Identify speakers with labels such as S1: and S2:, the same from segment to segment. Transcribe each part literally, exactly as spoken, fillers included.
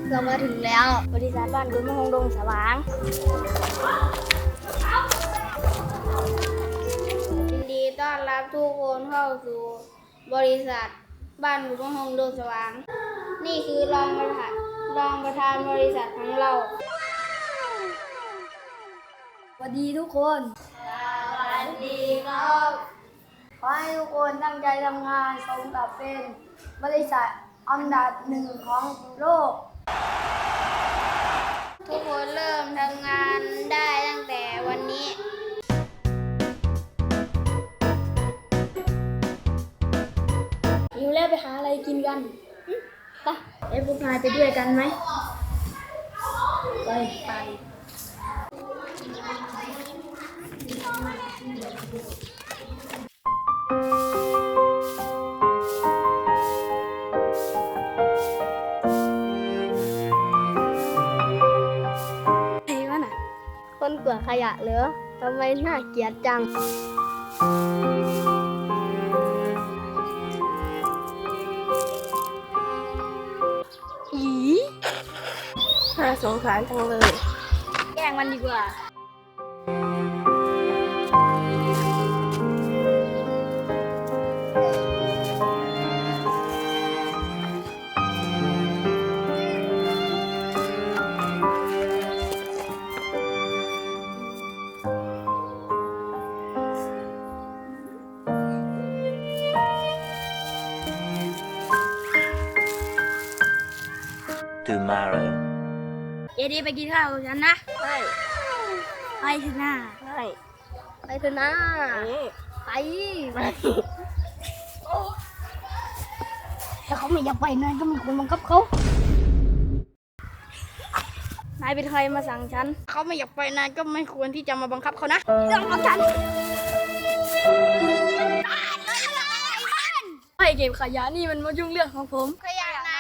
S1: เรามาถึงแล้วบริษัทบ้านคุณมะฮงดงสว่างยินดีต้อนรับทุกคนเข้าสู่บริษัทบ้านคุณมะฮงดงสว่างนี่คือรองประธานรองประธานบริษัทของเราสวัสดีทุกคนสวัสดีครับขอให้ทุกคนตั้งใจทำงานสมกับเป็นบริษัทอันดับหนึ่งของโลกทุกคนเริ่มทำงานได้ตั้งแต่วันนี้หิวแล้วไปหาอะไรกินกันไปเอ้พวกนายไปด้วยกันไหมไปไปคนกวาดขยะเหรอทำไมน่าเกลียดจังอีน่าสงสารจังเลยแกล้งมันดีกว่า
S2: tomorrow
S1: เอดีไปกินข้าวกับฉันนะไปไปเถอะนะไปไปเถอะนะไปไปถ้าเขาไม่อยากไปนายก็ไม่ควรบังคับเขานายเป็นใครมาสั่งฉันเขาไม่อยากไปนายก็ไม่ควรที่จะมาบังคับเขานะเรื่องของฉันไปเก็บขยะนี่มันมายุ่งเรื่องของผมขยะไหน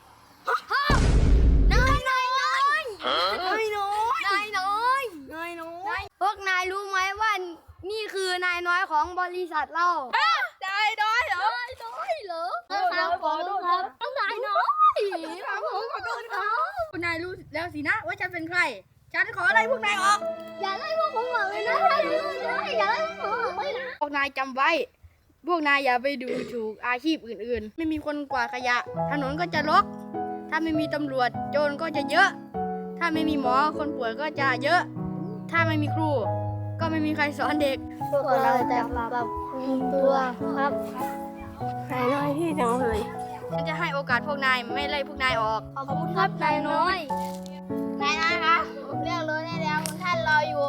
S1: นายน้อยนายน้อยน้อยนายน้อยนายน้อยพวกนายรู้ไหมว่านี่คือนายน้อยของบริษัทเรานายน้อยเหรอนายน้อยเหรอครับขอโทษครับนายน้อยผมขอโทษครับคุณนายรู้แล้วสินะว่าฉันเป็นใครฉันขออะไรพวกนายออกอย่าไล่พวกผมออกเลยนะอย่าไล่พวกผมออกเลยนะพวกนายจำไว้พวกนายอย่าไปดูถูกอาชีพอื่นๆไม่มีคนกวาดขยะถนนก็จะรกถ้าไม่มีตำรวจโจรก็จะเยอะถ้าไม่มีหมอคนป่วยก็จะเยอะถ้าไม่มีครูก็ไม่มีใครสอนเด็กพวกเราจะปรับปรุงตัวครับนายน้อยที่จังเลยฉันจะให้โอกาสพวกนายไม่ไล่พวกนายออกขอบคุณครับนายน้อยนายน้อยคะผมเรียกรถได้แล้วคุณท่านรออยู่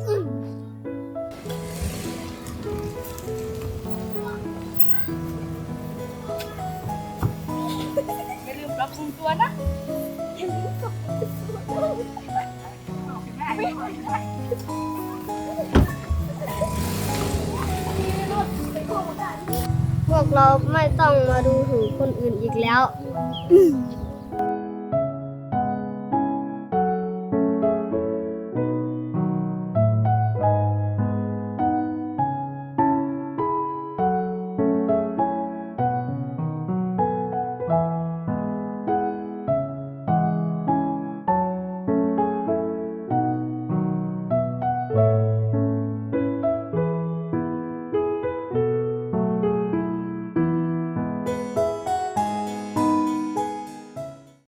S1: อย่าลืมปรับปรุงตัวนะอย่าลืมปรับปรุงตัวพวกเราไม่ต้องมาดูถูกคนอื่นอีกแล้ว